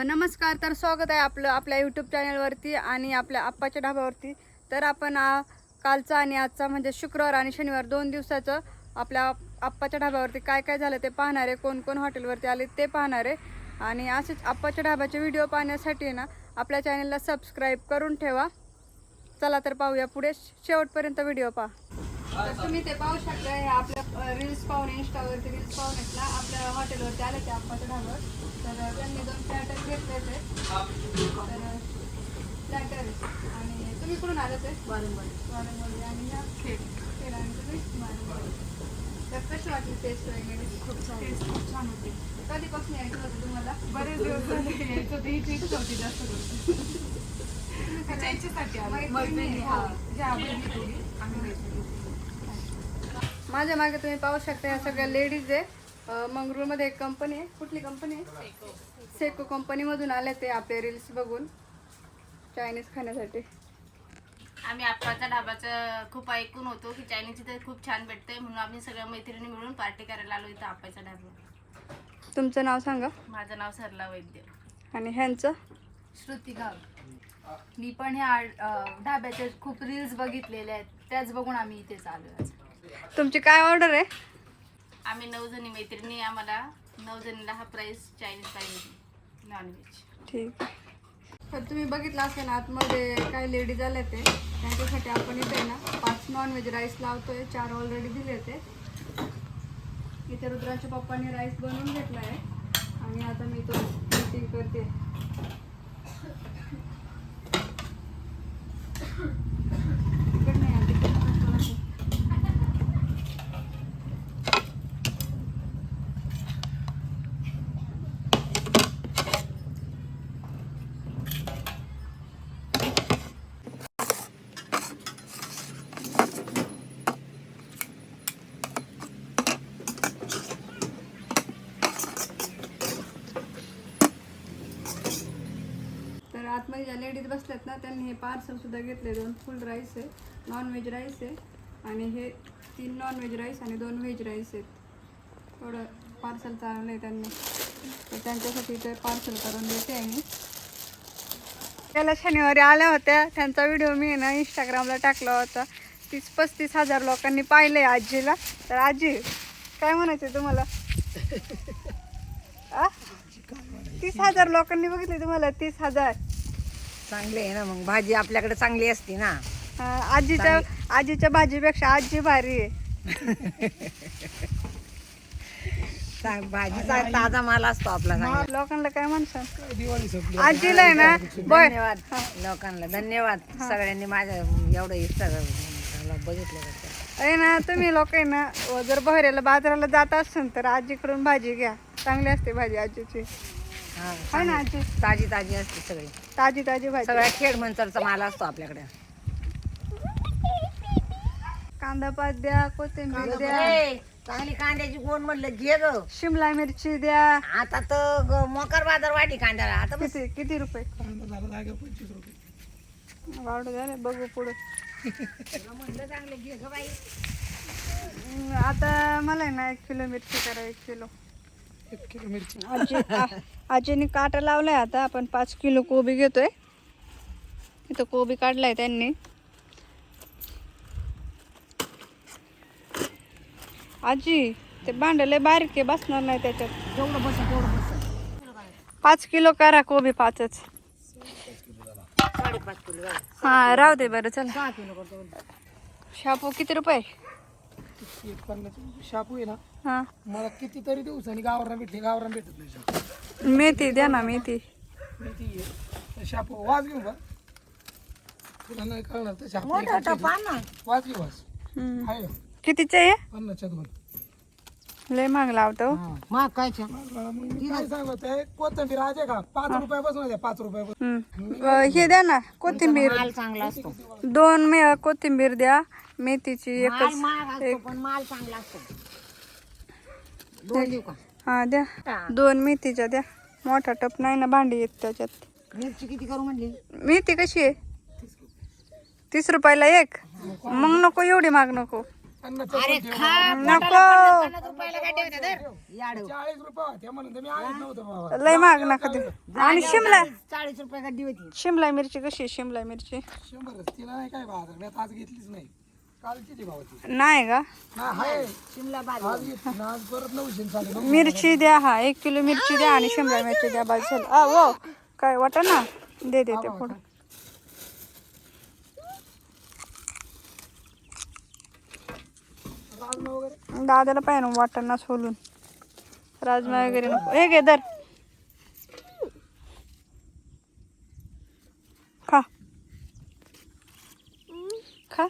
नमस्कार, तर स्वागत आहे आपलं आपल्या यूट्यूब चॅनलवरती आणि आपल्या आप्पाच्या ढाब्यावरती. तर आपण कालचा आणि आजचा म्हणजे शुक्रवार आणि शनिवार 2 दिवसाचं आपल्या आप्पाच्या ढाब्यावरती काय काय झालं ते पाहणार आहे. कोण कोण हॉटेलवरती आले ते पाहणार आहे. आणि असेच आप्पाच्या ढाब्याचे व्हिडिओ पाहण्यासाठी ना आपल्या चॅनलला सबस्क्राईब करून ठेवा. चला तर पाहूया पुढे, शेवटपर्यंत व्हिडिओ पहा. तर तुम्ही ते पाहू शकता, हे आपल्या रील्स पाहून, इंस्टावरती रील्स पाहून ना आपल्या हॉटेलवरती आले ते आप्पाच्या ढाब्यावर. तर त्यांनी 2 प्लॅटर घेतले ते. तर प्लॅटर आणि तुम्ही कुठून आले ते? वारंवाडी आणि ह्या खेळ आणि तुम्ही वारंवाडी. तर कशी वाटली टेस्ट वगैरे? खूप छान होती. कधीपासून यायचं होतं तुम्हाला? बरेच दिवस झाले यायचं होतं. हीच इच्छा होती जास्त करून. माझ्या मागे तुम्ही पाहू शकता या सगळ्या लेडीज आहे. मंगरूळमध्ये एक कंपनी आहे. कुठली कंपनी आहे? सेको कंपनीमधून आले ते आपले रील्स बघून चायनीज खाण्यासाठी. आम्ही आप्पाच्या ढाब्याचं खूप ऐकून होतो की चायनीज इथे खूप छान भेटते, म्हणून आम्ही सगळ्या मैत्रिणी मिळून पार्टी करायला आलो इथं आप्पाच्या ढाब्यावर. तुमचं नाव सांगा. माझं नाव सरला वैद्य. आणि ह्यांचं? श्रुती गाव. मी पण ह्या ढाब्याचे खूप रील्स बघितलेले आहेत, त्याच बघून आम्ही इथेच आलो. तुमची काय ऑर्डर आहे? आम्ही 9 जणी मैत्रिणी, आम्हाला 9 जणीला हा प्राईस चायनीज पाहिजे, नॉनव्हेज. ठीक आहे. तर तुम्ही बघितलं असेल आतमध्ये काही लेडीज आले ते, त्यांच्यासाठी आपण इथे ना 5 नॉनव्हेज राईस लावतोय. 4 ऑलरेडी दिले ते. इथे रुद्राच्या पप्पांनी राईस बनवून घेतला आहे आणि आता मी तो मीटिंग करते. तर आतमध्ये ज्या लेडीज बसल्यात ना त्यांनी हे पार्सल सुद्धा घेतले. 2 फुल राईस आहे, नॉनव्हेज राईस आहे आणि हे 3 नॉनव्हेज राईस आणि 2 व्हेज राईस आहेत. थोडं पार्सल चाललं आहे त्यांनी, तर त्यांच्यासाठी ते पार्सल करून देते आहे मी. त्याला शनिवारी आल्या होत्या, त्यांचा व्हिडिओ मी ना इंस्टाग्रामला टाकला होता. 30-35 हजार लोकांनी पाहिलं आहे आजीला. तर आजी काय म्हणायचं तुम्हाला? 30,000 लोकांनी बघितले तुम्हाला? 30,000 चांगले आहे ना. मग भाजी आपल्याकडे चांगली असते ना. आजीच्या भाजीपेक्षा आजी भारी आहे. भाजीचा ताजा माल असतो आपला. लोकांना काय म्हणतात आजीला आहे ना. धन्यवाद लोकांना, धन्यवाद सगळ्यांनी माझ्या एवढं इंस्टाग्राम बघितलं. आहे ना, तुम्ही लोक आहे ना जर बहऱ्याला बाजाराला जात असेल तर आजीकडून भाजी घ्या, चांगली असते भाजी आजीची. आहे ना आजी? ताजी ताजी असते सगळी, ताजी ताजी भाजी. सगळ्या खेड मंचरचा माल असतो आपल्याकडे. कांदा पात द्या, कोथिंबीर द्या, चांगली कांद्याची गोण म्हणलं घे ग. शिमला मिरची द्या. आता तर मोकार बाजार वाढली कांद्याला. आता किती रुपये? 25 रुपये वाढू द्या, बघू पुढे. म्हणलं चांगले घे ग बाई. आता मला आहे ना 1 किलो मिरची करा. 1 किलो मिरची. आजीने काटा लावलाय. आता आपण 5 किलो कोबी घेतोय. इथं कोबी काढलाय त्यांनी. आजी ते भांडले बारीक आहे, बसणार नाही त्याच्यात. तेवढं बस तेवढं बस. 5 किलो करा कोबी, 5च. 5.5 किलो. हा राहू दे बरं. चला 6 किलो करतो. शापू किती रुपये? शापू आहे ना, हा मला कितीतरी दिवसांनी गावरान भेटत नाही शापू. मेथी द्या ना. मेथी शापू वाज घेऊ का? तुला नाही कळणार तर शापू मोठा टपा ना. वाज घेऊ वाज. आहे कितीचे आहे? 50च्या 2. लय महाग लावतो. मग काय मी काय सांगत आहे, कोथिंबीर आहे का? 5 रुपयापासून आहे. 5 रुपयापासून. हे द्या ना कोथिंबीर. माल चांगला असतो. 2 कोथिंबीर द्या. मेथीची माल एकच. महाग असतो पण माल चांगला असतो. 2 देऊ का? हा द्या. 2 मेथीच्या द्या. मोठा टप नाही ना भांडी येत त्याच्यात. मिरची किती करू म्हणली? मेथी कशी आहे? 30 रुपयाला 1. मग नको एवढी महाग नको. त्यांना अरे चटणी ठेव. खा नको 50 रुपयाला काय ठेवते तर याडू 40 रुपये होते म्हणून तर मी आणत नव्हतं बाबा. लय महाग नका देऊ. आणि शिमला 40 रुपये गड्डी होती शिमला मिरची कशी आहे शिमला मिरची 100च. तिला नाही काय बाजार मी आता आज घेतलीच नाही. कालची ती भावा ती. नाही का नाही आहे. शिमला बाज आज घेतली ना, आज परत 900 चालू. मिरची द्या. हा 1 किलो मिरची द्या आणि शिमला मिरची द्या. बस झालं. वो काय वाटा ना दे ते पुढं. राजमा वगैरे दादाला पाहिजे ना वाटाणा सोलून. राजमा वगैरे नको. हे घे दर खा खा.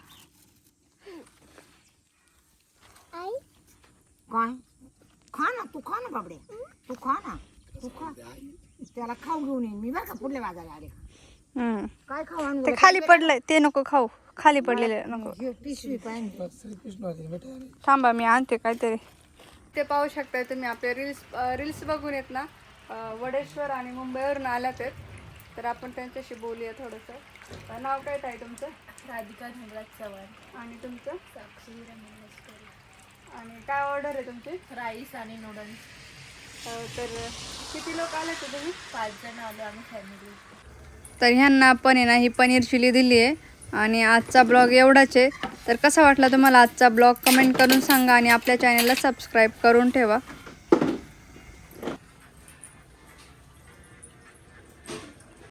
काय खा ना तू खा ना बाबडे तू खा ना तू खा त्याला खाऊ घेऊन येईन मी बरं का पुढल्या बाजारात आले काय खाऊ आणू ते खाली पडलंय ते नको खाऊ. खाली पडलेले नको. हे पिशवी पाहिजे श्रीकृष्ण होते बेटा. थांबा मी आणते काहीतरी. ते पाहू शकताय तुम्ही आपले रील्स बघून येत ना वडेश्वर आणि मुंबईवरून आल्यात आहेत. तर आपण त्यांच्याशी बोलूया थोडंसं. नाव काय ताई तुमचं? राधिका धनराज चव्हाण. आणि तुमचं? साक्षी रमेश आणि काय ऑर्डर आहे तुमची? राईस आणि नूडल्स. तर किती लोक आले ते तुम्ही? 5 जण आलो आम्ही फॅमिली. तर ह्यांना आपण आहे ना ही पनीर चिली दिली आहे. आणि आजचा ब्लॉग एवढाच आहे. तर कसा वाटला तुम्हाला आजचा ब्लॉग कमेंट करून सांगा आणि आपल्या चॅनलला सबस्क्राईब करून ठेवा.